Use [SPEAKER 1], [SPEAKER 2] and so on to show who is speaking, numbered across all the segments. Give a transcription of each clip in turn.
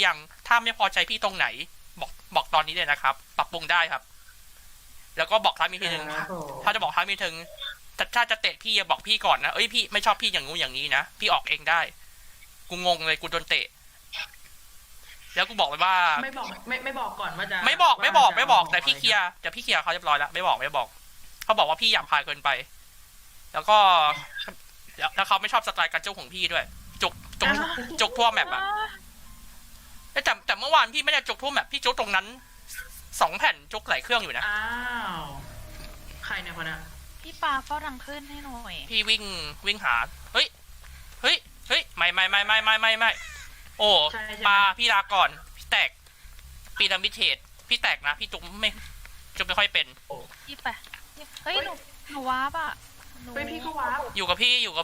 [SPEAKER 1] ยังถ้าไม่พอใจพี่ตรงไหนบอกตอนนี้เลยนะครับปรับปรุงได้ครับ แล้วก็บอกท้ายมีทีหนึ่งถ้าจะบอกท้ายมีถึงถ้าจะเตะพี่อย่าบอกพี่ก่อนนะเอ้ยพี่ไม่ชอบพี่อย่างงู้นอย่างนี้นะพี่ออกเองได้กูงงเลยกูโดนเตะแล้วกูบอกไปว่า
[SPEAKER 2] ไม่บอกก่อนว่าจะ
[SPEAKER 1] ไม่บอกแต่พี่เคลียร์เขาเรียบร้อยแล้วไม่บอกเขาบอกว่าพี่หยาบคายเกินไปแล้วก็แล้วเขาไม่ชอบสไตล์การจุกของพี่ด้วยจุกทั่วแมปอะแต่เมื่อวานพี่ไม่ได้จุกทั่วแมปพี่จุกตรงนั้น2 แผ่นจุกหลายเครื่องอยู่นะ
[SPEAKER 2] อ้าวใครเนี่ยคนน่ะ
[SPEAKER 3] พี่ปาเฝ้าทางขึ้นให้หน่อย
[SPEAKER 1] พี่วิ่งหาเฮ้ยไม่โอ้ปาพี่ลาก่อนพี่แตกปีนามิเทศพี่แตกนะพี่จุกไม่ค่อยเป็น
[SPEAKER 3] พี่ไปเฮ้ยหนูว้าป่ะ
[SPEAKER 2] เป็นพี่ก็ว้า
[SPEAKER 1] อยู่กับพี่อยู่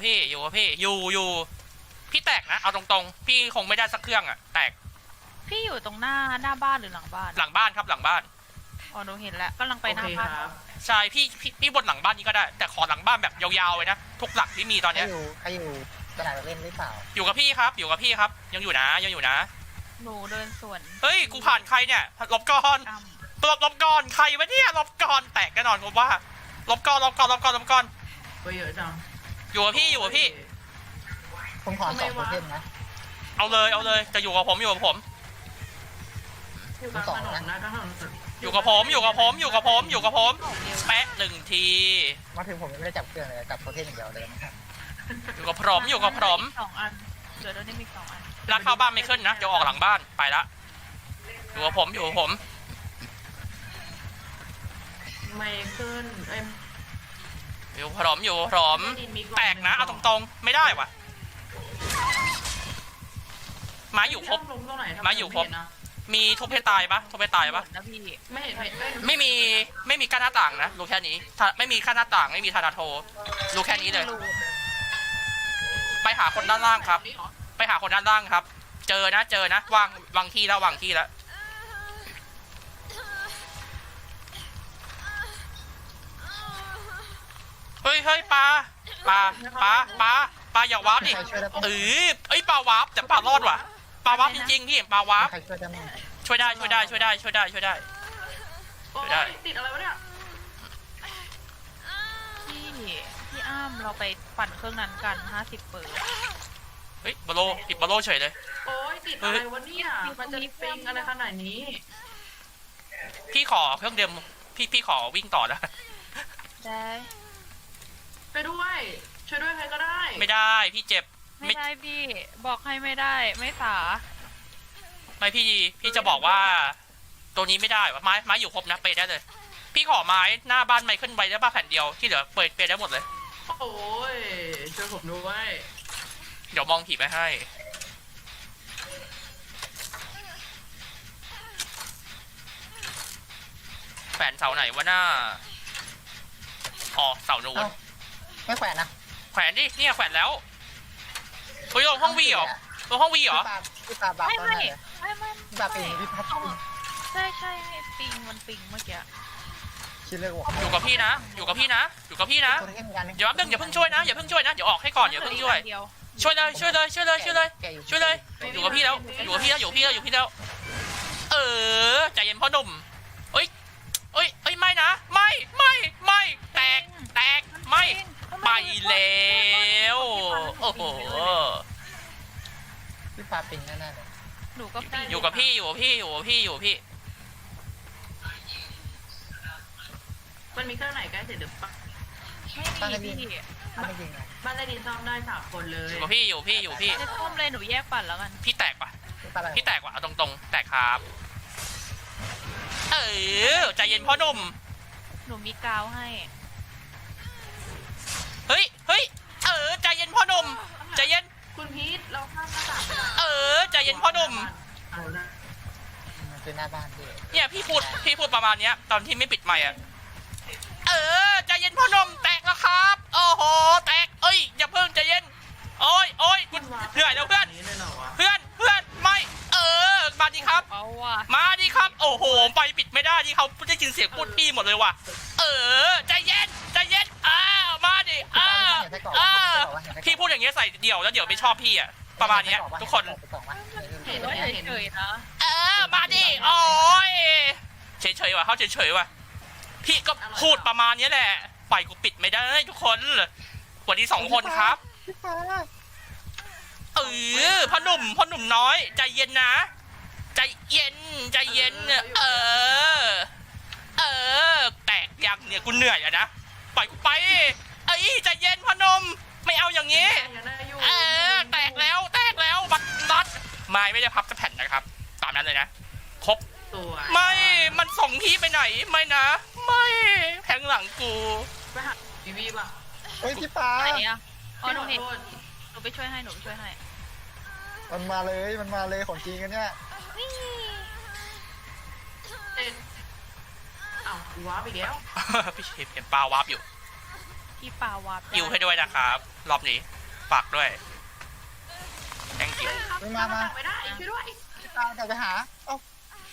[SPEAKER 1] พี่แตกนะเอาตรงๆพี่คงไม่ได้สักเครื่องอะแตก
[SPEAKER 3] พี่อยู่ตรงหน้าบ้านหรือหลังบ้าน
[SPEAKER 1] หลังบ้านครับหลังบ้าน
[SPEAKER 3] อ๋อหนูเห็นแล้วกำลังไปหน้าบ้าน
[SPEAKER 1] ใช่พี่บนหลังบ้านนี้ก็ได้แต่ขอหลังบ้านแบบยาวๆเลยนะทุกหลักที่มีตอนนี้
[SPEAKER 4] ใครอยู่สนามเล่นหรือเปล่า
[SPEAKER 1] อยู่กับพี่ครับยังอยู่นะ
[SPEAKER 3] หนูเดินสวน
[SPEAKER 1] เฮ้ยกูผ่านใครเนี่ยลบก่อนใครวะเนี่ยลบก่อนแตกแน่นอนผมว่าลบก่อน
[SPEAKER 2] ไปเยอะจัง
[SPEAKER 1] อยู่กับพี่
[SPEAKER 4] ผมขอ2 โทเทมนะ
[SPEAKER 1] เอาเลยจะอยู่กับผม
[SPEAKER 2] อยู่กับถนนนะถนน
[SPEAKER 1] อยู่กับผมแปะ1 ที
[SPEAKER 4] มาถึงผมไม่ได้จับเครื่องเลยจับโทเทมอย่างเดียวเลยนะครับ
[SPEAKER 1] อยู่กับผม
[SPEAKER 3] 2 อันเดี๋ยวได้มี2 อัน
[SPEAKER 1] ร้านเข้าบ้านไม่ขึ้นนะเดี๋ยวออกหลังบ้านไปละอยู่กับผม
[SPEAKER 2] ไม่ขึ้น
[SPEAKER 1] อยู่พร้อมแตกนะเอาตรงๆไม่ได้วะมาอยู่ครบมีทุบให้ตายปะ
[SPEAKER 3] นะพี่
[SPEAKER 1] ไม่มีกั้นหน้าต่างนะรู้แค่นี้ไม่มีกั้นหน้าต่างไม่มีธนาโทรู้แค่นี้เลยไปหาคนด้านล่างครับเจอนะวางที่แล้วเฮ้ยปลาอย่าวาร์ปดิปลาวาร์ปแต่ปลารอดว่ะปลาวาร์ปจริงๆพี่ปลาวาร์ปช่วยได้
[SPEAKER 2] ติดอะไรวะเนี่ย
[SPEAKER 3] พี่อ้ามเราไปปั่นเครื่องนั้นกัน50 เปอร์
[SPEAKER 1] เฮ้ยติดบอลโลเฉยเลย
[SPEAKER 2] โอ้ยติดอะไรวะเนี่ยมันจะปิงอะไรขนาดนี้
[SPEAKER 1] พี่ขอเครื่องเดิมพี่ขอวิ่งต่อแล้ว
[SPEAKER 3] ได้
[SPEAKER 2] ไปด้วยช่วยด้วยใครก็ได้
[SPEAKER 1] ไม่ได้พี่เจ็บ
[SPEAKER 3] ไม่ได้พี่บอกให้ไม่ได้ไม่สา
[SPEAKER 1] ไม่พี่จะบอกว่าตัวนี้ไม่ได้ไม้อยู่ครบนะเปย์ได้เลยพี่ขอไม้หน้าบ้านไม้ขึ้นไปได้บ้าแผ่นเดียวที่เหลือเปย์ได้หมดเลย
[SPEAKER 2] โอ้ยช่วยผมด้วย
[SPEAKER 1] เดี๋ยวมองผีไปให้แขวนเสาไหนวะหน้าอ๋อเสาโน้น
[SPEAKER 4] ไม่แขวนนะ
[SPEAKER 1] แขวนดิเนี่ยแขวนแล้วเฮ้ยลงห้องวีเหรอ
[SPEAKER 4] พี่ปาบ้า
[SPEAKER 3] ไม่
[SPEAKER 4] พี่ปาปิงพี่พัด
[SPEAKER 3] ใช่ปิงมันปิงเมื่อกี้
[SPEAKER 4] คิดเลยว่า
[SPEAKER 1] อยู่กับพี่นะเดี๋ยวแป๊บนึงอย่าเพิ่งช่วยนะเดี๋ยวออกให้ก่อนอย่าเพิ่งช่วยเลยอยู่กับพี่แล้วใจเย็นพ่อหนุ่มเอ้ยไม่นะไม่แตกไม่ไปแล้วโอ้โห
[SPEAKER 4] พี่ปาปิงแน่ๆเลย
[SPEAKER 3] หนูก็ปิง
[SPEAKER 1] อยู่กับพี่
[SPEAKER 2] มันมีเครื่องไหนใกล้เสร็จหรือเปล่า
[SPEAKER 3] ไม่มีพี่
[SPEAKER 2] บ้านได้ดินซ่อมได้3 คนเลย
[SPEAKER 1] อยู่กับพี่
[SPEAKER 3] จะซ่อมเลยหนูแยกปั่นแล้วกัน
[SPEAKER 1] พี่แตกว่ะเอาตรงๆแตกครับใจเย็นพ่อหนุ่ม
[SPEAKER 3] หนูมีกาวให้
[SPEAKER 1] เฮ้ยใจเย็นพ่อหนุ่มใจเย็น
[SPEAKER 2] คุณพีทเราข้ามหน้าต่าง
[SPEAKER 1] ใจเย็นพ่อหนุ่ม
[SPEAKER 4] คือหน้าบ้านพี่
[SPEAKER 1] เนี่ยพี่พูดประมาณเนี้ยตอนที่ไม่ปิดไมค์อะใจเย็นพ่อหนุ่มแตกแล้วครับโอ้โหแตกอย่าเพิ่งใจเย็นโอ้ยคุณเหนื่อยแล้วเพื่อนไม่มาดีครับโอ้โหไปปิดไม่ได้ที่เขาได้ยินเสียงพูดพี่หมดเลยว่ะใจเย็นมาดิพี่พูดอย่างเงี้ยใส่เดี่ยวแล้วเดี๋ยวไม่ชอบพี่อะประมาณเนี้ยทุกคน
[SPEAKER 2] ห็น
[SPEAKER 3] ว่า
[SPEAKER 2] เห็น
[SPEAKER 3] เฉยๆนะ
[SPEAKER 1] เออมาดิโอ้ยเฉยๆว่ะเขาเฉยๆว่ะพี่ก็พูดประมาณนี้แหละปล่อยกูปิดไม่ได้ทุกคนสวัสดี2 คนครับ
[SPEAKER 4] พี่ฟ้า
[SPEAKER 1] พ่อหนุ่มน้อยใจเย็นนะใจเย็นใจเย็นแตกยังเนี่ยกูเหนื่อยอะนะปล่อยกูไปใจเย็นพ่อหนุ่มไม่เอาอย่างนี้แตกแล้วบัดไม่ได้พับจะแผ่นนะครับตามนั้นเลยนะครบ
[SPEAKER 2] ตัว
[SPEAKER 1] ไม่มันส่งพี่ไปไหนไม่นะไม่แทงหลังกู
[SPEAKER 2] ไปหาบีบีป่ะ
[SPEAKER 4] เฮ้ยพี่ฟ้า
[SPEAKER 3] ไหนอะอ๋อหนู
[SPEAKER 2] ขอ
[SPEAKER 3] เห็น
[SPEAKER 2] โทษ
[SPEAKER 3] หนูไปช่วยให้
[SPEAKER 4] มันมาเลยของจริงกันเนี่ย
[SPEAKER 2] เอ็ดอ้าวกูว้าไปแล้ว
[SPEAKER 1] พี่เห็นปลาวาร์ปอยู่
[SPEAKER 3] พี่ปาวาบ
[SPEAKER 1] ยิวให้ด้วยนะครับรอบนี้ฝากด้วย thank you
[SPEAKER 2] ครับไม่ได้ช่วยด้วย
[SPEAKER 4] พี่ฟ้ากลับไปหาเอ้า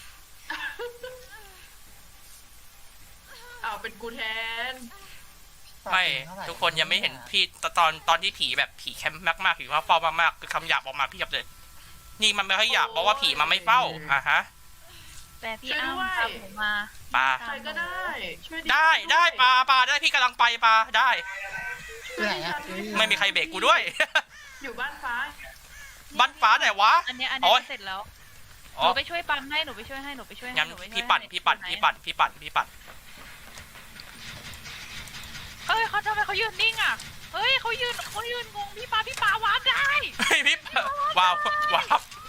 [SPEAKER 2] อ้าวเป็นกูแทน
[SPEAKER 1] ไม่ทุกคนยังไม่เห็นพี่ตอนที่ผีแบบผีแคมป์มากๆผีว่าเฝ้ามากๆคือคำหยาบออกมาเพียบเลยนี่มันไม่ค่อยหยาบเพราะว่าผีมันไม่เฝ้าฮะ
[SPEAKER 3] แต่พี่อ้ำตามหนูมา
[SPEAKER 1] ปลา
[SPEAKER 2] ใครก็ได้ช่วย
[SPEAKER 1] ได้ปลาได้พี่กำลังไปปลาได้
[SPEAKER 4] ที่ไหนอะ
[SPEAKER 1] ไม่มีใครเบรกกูด้วย
[SPEAKER 2] อยู่บ้านฟ้า
[SPEAKER 1] บ้านฟ้าไหนวะ
[SPEAKER 3] อันเนี้ย
[SPEAKER 1] โอ๊ย
[SPEAKER 3] เสร็จแล้ว ห
[SPEAKER 1] อ๋อ
[SPEAKER 3] นูไปช่วยปั๊มให้ หนูไปช่วยให้
[SPEAKER 1] งั้นพี่ปั่น
[SPEAKER 3] เฮ้ยเขาทำไมเขายืนนิ่งอ่ะ เฮ้ยเขายืนงงพี่ปาวาบได้
[SPEAKER 1] เฮ้ยพี่ว้าว
[SPEAKER 2] กูโก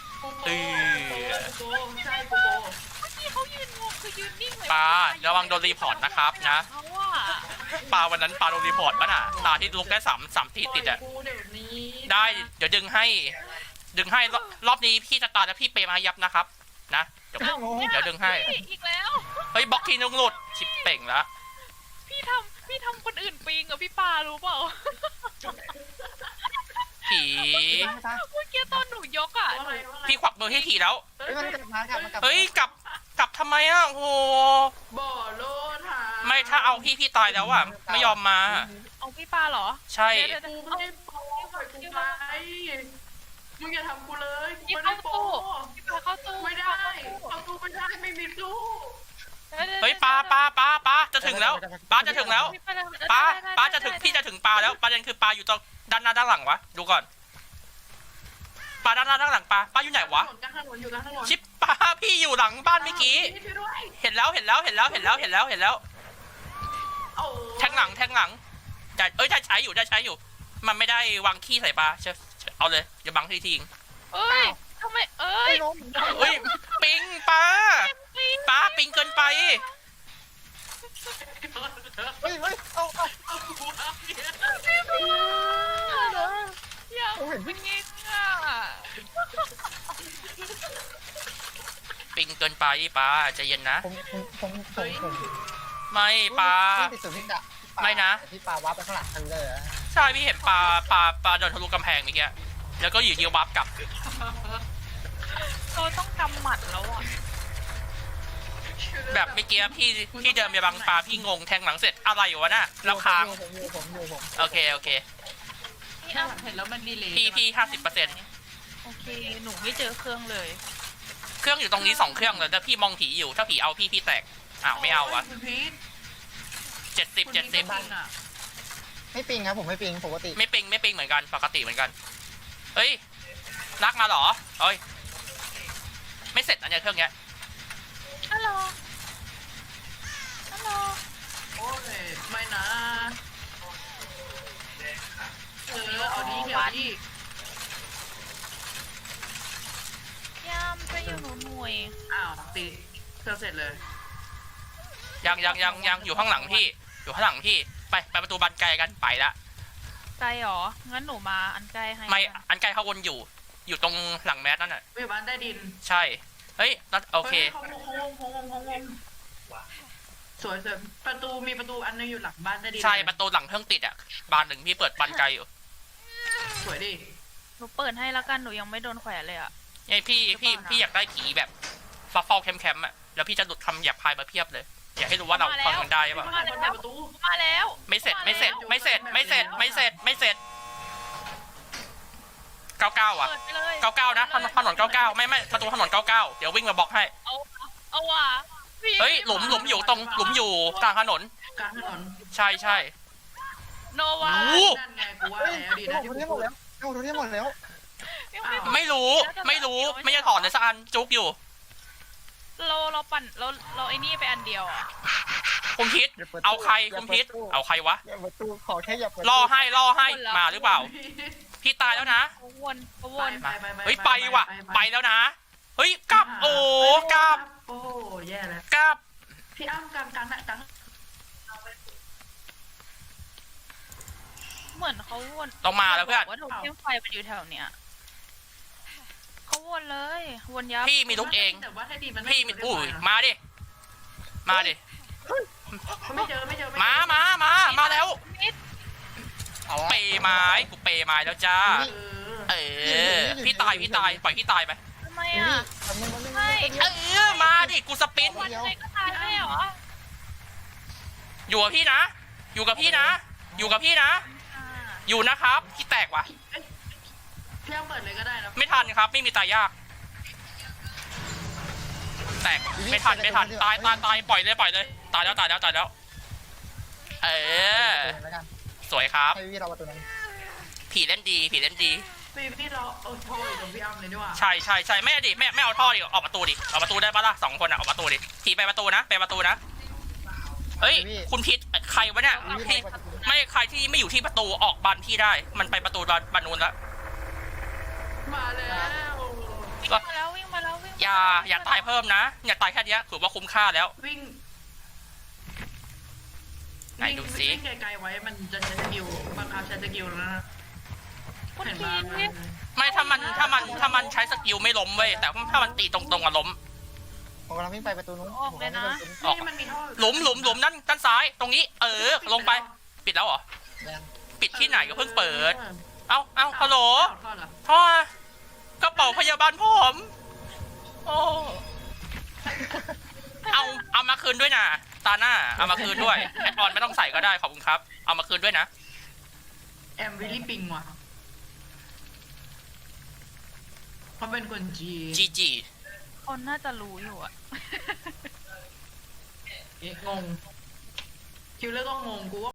[SPEAKER 2] ใช่กูโก
[SPEAKER 3] พี่เขายืนงงคือยืนนิ่งเลย
[SPEAKER 1] ปลาระวังโดนรีพอร์ตนะครับนะ
[SPEAKER 3] เขาอะ
[SPEAKER 1] ปลาวันนั้นปลาโดนรีพอร์ตป่ะน่ะตาที่ลุกได้3 ทีติดอะ
[SPEAKER 2] กูเดี๋ยวนี้
[SPEAKER 1] ได้เดี๋ยวดึงให้รอบนี้พี่จะตายแล้วพี่เปย์มายับนะครับนะเดี๋ยวดึงให้
[SPEAKER 3] พี่อีกแล้ว
[SPEAKER 1] เฮ้ยบล็อกทีนึงหลุดชิปเป่งแล้ว
[SPEAKER 3] พี่ทำคนอื่นปิงอะพี่ปารู้เปล่า
[SPEAKER 1] ผี
[SPEAKER 3] เมื่อกี้ตอนหนูยกอะ
[SPEAKER 2] ว่าอะไร
[SPEAKER 1] พี่ขวักมือให้ผีแล้ว
[SPEAKER 4] เฮ้ยมันกลับมากลับ
[SPEAKER 1] เฮ้ยกลับทำไมอ่ะโอ้โห
[SPEAKER 2] บ่อโลดหา
[SPEAKER 1] ไม่ถ้าเอาพี่ตายแล้วอ่ะไม่ยอมมา
[SPEAKER 3] เอาพี่ปาเหรอ
[SPEAKER 1] ใช่
[SPEAKER 3] เดี๋ยว
[SPEAKER 2] กูไม่ได้โปปล่อยกูไปมึงอย่าทำกูเลยกู
[SPEAKER 3] พี่
[SPEAKER 2] ไม่
[SPEAKER 3] เข้า
[SPEAKER 2] ได้โป
[SPEAKER 3] ตู้พี่ปาเข้าตู้
[SPEAKER 2] ไม่ได้เข้าตู้ไม่ได้ไม่มีตู้
[SPEAKER 1] เฮ้ยปลาจะถึงแล้วปลาจะถึงแล้วปลาจะถึงพี่จะถึงปลาแล้วประเด็นคือปลาอยู่ตรงด้านหน้าด้านหลังวะดูก่อนปลาด้านหน้าด้านหลังปลาอยู่ไหนวะ
[SPEAKER 2] กลางถนนอยู่กลางถนน
[SPEAKER 1] ชิปปลาพี่อยู่หลังบ้านเมื่อกี้
[SPEAKER 2] ช่วยด้วย
[SPEAKER 1] เห็นแล้ว
[SPEAKER 2] โอ้
[SPEAKER 1] แทงหลังแต่ได้ใช้อยู่มันไม่ได้วางขี้ใส่ปลาเอาเลยอย่าบังทีทิ้ง
[SPEAKER 3] เอ้ยทำไมเอ้ย
[SPEAKER 1] เฮ้ยปิงปลาปิงเกินไป
[SPEAKER 4] เฮ้ยเอา
[SPEAKER 3] อย่าปิงอ่ะ
[SPEAKER 1] ปิงเกินไปปลาใจเย็นนะ
[SPEAKER 4] ผม
[SPEAKER 1] ไม่ปลา
[SPEAKER 4] ติดสุดที่จะ
[SPEAKER 1] ไม่นะ
[SPEAKER 4] พี่ปลาวับไปข้างหลังทันเลย
[SPEAKER 1] ใช่พี่เห็นปลาโดนทะลุกำแพงเมื่อกี้แล้วก็อยู่เดียวบัฟกลับ
[SPEAKER 3] เราต้องกำหมัดแล้วอ่ะ
[SPEAKER 1] แบบเมื่อกี้พี่เดินไปบังปลาพี่งงแทงหลังเสร็จอะไรวะน่ะแล้วค้าง
[SPEAKER 4] ผม
[SPEAKER 1] โอเค
[SPEAKER 3] พี่อ้ำ
[SPEAKER 2] เห็นแล้วมันดีเลย
[SPEAKER 1] พี่50%
[SPEAKER 3] โอเคหนูไม่เจอเครื่องเลย
[SPEAKER 1] เครื่องอยู่ตรงนี้2 เครื่องเลยแต่พี่มองผีอยู่ถ้าผีเอาพี่แตกอ้าวไม่เอาวะ
[SPEAKER 2] คุณพีท
[SPEAKER 1] 70
[SPEAKER 4] ไม่ปิงครับผมไม่ปิงปกติ
[SPEAKER 1] ไม่ปิงเหมือนกันปกติเหมือนกันเฮ้ยลากมาเหรอเอ้ยไม่เสร็จนะเนี่ยเครื่องเนี้ย
[SPEAKER 3] ฮัลโหล
[SPEAKER 2] โอ้ยไม่นะเอาดีเดี๋ยวดี
[SPEAKER 3] ย่ามช่วยอยู่หนูหน่วย
[SPEAKER 2] อ้าวตีเธอเสร็จเลย
[SPEAKER 1] ยังอยู่ข้างหลังพี่ไปประตูบานไกลกันไปละ
[SPEAKER 3] ไกลหรอ งั้นหนูมาอันใกล้ให้
[SPEAKER 1] ไม่อันไกลเขาวนอยู่ตรงหลังแมสนั่นน่ะ
[SPEAKER 2] อยู่บ้านใต้ดิน
[SPEAKER 1] ใช่เฮ้ยโอเค
[SPEAKER 2] เขาวงสวยมีประตูอันนึงอยู่หลังบ้านใต้ดิน
[SPEAKER 1] ใช่ประตูหลังเครื่องติดอ่ะบานหนึ่งพี่เปิดบานไกลอยู่
[SPEAKER 2] สวยดิ
[SPEAKER 3] หนูเปิดให้แล้วกันหนูยังไม่โดนแขวนเลยอ่ะ
[SPEAKER 1] ไอพี่อยากได้ผีแบบฟ้าเฝ้าแคมป์อ่ะแล้วพี่จะหลุดคำหยาบคายมาเพียบเลยอยากให้รู้ว่าเราฟังกันได้ป่ะ
[SPEAKER 2] มาแล้วประตู
[SPEAKER 3] มาแล้ว
[SPEAKER 1] ไม่เสร็จ 99อ่ะ
[SPEAKER 3] เปิดไปเลย
[SPEAKER 1] 99นะถนน99ไม่ประตูถนน99เดี๋ยววิ่งมาบล็อกให้
[SPEAKER 3] เอาว่ะพี่
[SPEAKER 1] เฮ้ยหลุมอยู่ตรงหลุมอยู่กลางถนน
[SPEAKER 2] กลางถนน
[SPEAKER 1] ใช่
[SPEAKER 3] โนวา
[SPEAKER 1] โอ้
[SPEAKER 2] นั่นไงกูว่าแล้วดี
[SPEAKER 4] เฮ้
[SPEAKER 2] นะ
[SPEAKER 4] ย
[SPEAKER 2] ที่
[SPEAKER 4] ผม
[SPEAKER 2] กู
[SPEAKER 4] เทียบหม
[SPEAKER 2] พู
[SPEAKER 4] ด
[SPEAKER 2] ด
[SPEAKER 4] แล้วผมเทียบหมดแล้ว
[SPEAKER 3] ยังไม่
[SPEAKER 1] ไม่รู้ไม่จะถอนเลยสักอันจุกอยู่
[SPEAKER 3] เราปั่นเราไอ้นี่ไปอันเดียวอ่ะ
[SPEAKER 1] คุมพิษเอาใครคุมพิษเอาใครวะ
[SPEAKER 4] อย่าประตูขอแค่อย่าเปิด
[SPEAKER 1] ล่อให้มาหรือเปล่า พี่ตายแล้วนะ
[SPEAKER 3] เขาวน
[SPEAKER 1] เฮ้ยไปว่ะไปแล้วนะเฮ้ยกลับโอ้กลับ
[SPEAKER 2] โอ้แย่แล้ว
[SPEAKER 1] กลับ
[SPEAKER 2] พี่อ้ำกลางน่ะกลาง
[SPEAKER 3] เหมือนเขาวน
[SPEAKER 1] ต้องมาแล้วเพื่อน
[SPEAKER 3] ว่าโถเทียมไฟมันอยู่แถวเนี้ยเขาวนเลยวนยับ
[SPEAKER 1] พี่มีลุกเอง
[SPEAKER 2] แต่ว่าถ้าดีมัน
[SPEAKER 1] พี่มีอุ้ยมาดิมาดิ
[SPEAKER 2] ไม่เจอ
[SPEAKER 1] มาแล้ว
[SPEAKER 3] มิด
[SPEAKER 1] เปย์ไม้กูเปย์ไม้แล้วจ้า เออพี่ตายปล่อยพี่ตายไป
[SPEAKER 3] ทำไมอ่ะ ไม่
[SPEAKER 1] มาดิกูสปิน
[SPEAKER 3] วันไหนก็ตายไม่เหรอ
[SPEAKER 1] อยู่กับพี่นะ อยู่นะครับพี่แตกว่ะ
[SPEAKER 2] พี่อ้ำเปิดเลยก็ได้นะ
[SPEAKER 1] ไม่ทันครับไม่มีตายยาก แตกไม่ทันตายปล่อยเลยตายแล้วเออสวยครับ
[SPEAKER 4] ให้พี่เราประตูนั้น
[SPEAKER 1] ผีเล่นดี
[SPEAKER 2] พี่เราเอาโทรอยู่ตรงพี่อ้ำเลยดีกว่า
[SPEAKER 1] ใช่ไม่เอาดิไม่เอาท่อดิออกประตูได้ปะล่ะ2 คนอ่ะออกประตูดิผีไปประตูนะเฮ้ยคุณพิษใครวะเนี่ยพี่ไม่ใครที่ไม่อยู่ที่ประตูออกบานพี่ได้ มันไปประตูบานนู้นแล้ว
[SPEAKER 2] มาแล้ว
[SPEAKER 3] วิ่งมาแล้ว
[SPEAKER 1] อย่าตายเพิ่มนะอย่าตายแค่เนี้ยถือว่าคุ้มค่าแล้ว
[SPEAKER 2] วิ่ง
[SPEAKER 1] ไหนดูสิ
[SPEAKER 2] วิ่งไกลๆไว้มันจะใช้สกิลบังคับใช้สกิลแล้วนะ
[SPEAKER 3] คุณ
[SPEAKER 2] เห็น
[SPEAKER 3] พี
[SPEAKER 2] บ้าง
[SPEAKER 1] ไม่ถ้ามันใช้สกิลไม่ล้มเว้ยแต่ถ้ามันตีตรงๆอะล้ม
[SPEAKER 4] ผมกำลังวิ่งไปประตูนู้น
[SPEAKER 2] นี่มันมีท่อ
[SPEAKER 1] หลุมด้านซ้ายตรงนี้ลงไปปิดแล้วเหรอปิดที่ไหนก็เพิ่งเปิดเอ้าฮัลโหล
[SPEAKER 2] ท่อเหรอ
[SPEAKER 1] ท่อกระเป๋าพยาบาลผมโอ้เอามาคืนด้วยนะตาหน้าเอามาคืนด้วยแอดออนไม่ต้องใส่ก็ได้ขอบคุณครับเอามาคืนด้วยนะ
[SPEAKER 2] แอมวิลลี่ปิงว่ะเขาเป็นคนจีน
[SPEAKER 1] GG
[SPEAKER 3] คนน่าจะรู้อยู่อ่ะ
[SPEAKER 2] งงคิวเลอร์ก็งงกูว่า